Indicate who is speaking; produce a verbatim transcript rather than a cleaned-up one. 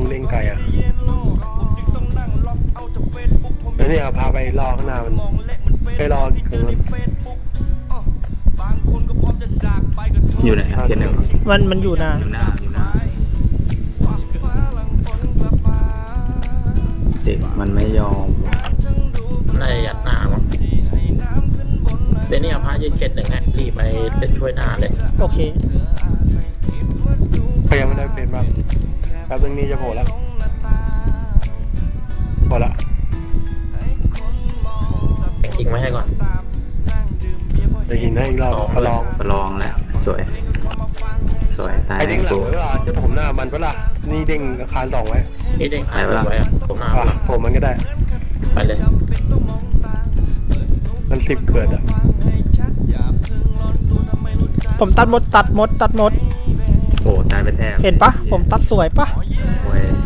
Speaker 1: เล่งไกลอ่ะแล้วเนี่ยพาไปรอข้างหน้ามันไปรอตรงนั้น
Speaker 2: อยู่ไหนเทียนหนึ่ง
Speaker 3: มันมันอยู่นะ
Speaker 2: อยู่หน้าอยู่หน้าเด็กมันไม่ยอม
Speaker 4: น่าจะยัดหน้ามั้งเดี๋ยวนี้เอาพระยืนเข็ดหนึ่งฮะรีบไปเล่นช่วยหน้าเลย
Speaker 3: โอเค
Speaker 1: พยายามไม่ได้เป็นบ้างแป๊บนึงนี้จะโผล่แล้วพอละ
Speaker 4: แต่งจริงไว้ให้ก่อน
Speaker 1: จะหินให้อีกรอบประลอง
Speaker 2: ประลองแล้วสวยสวยตาย
Speaker 1: ไอ้เด้งหลัง
Speaker 2: ตัว
Speaker 1: ไว้ว่าจะผมหน้ามันปะล่ะนี่เด้งอาคารสองไว้
Speaker 4: นี่เด้งหายไว้อะผมหน้า
Speaker 1: อ่ะผมมันก็ได้
Speaker 4: ไปเลย
Speaker 1: มันสิบเกิดอ่ะ
Speaker 3: ผมตัดมดตัดมดตัดมด
Speaker 2: โอ้ตายไปแทบ
Speaker 3: เห็นปะผมตัดสวยปะ
Speaker 2: โอ้ย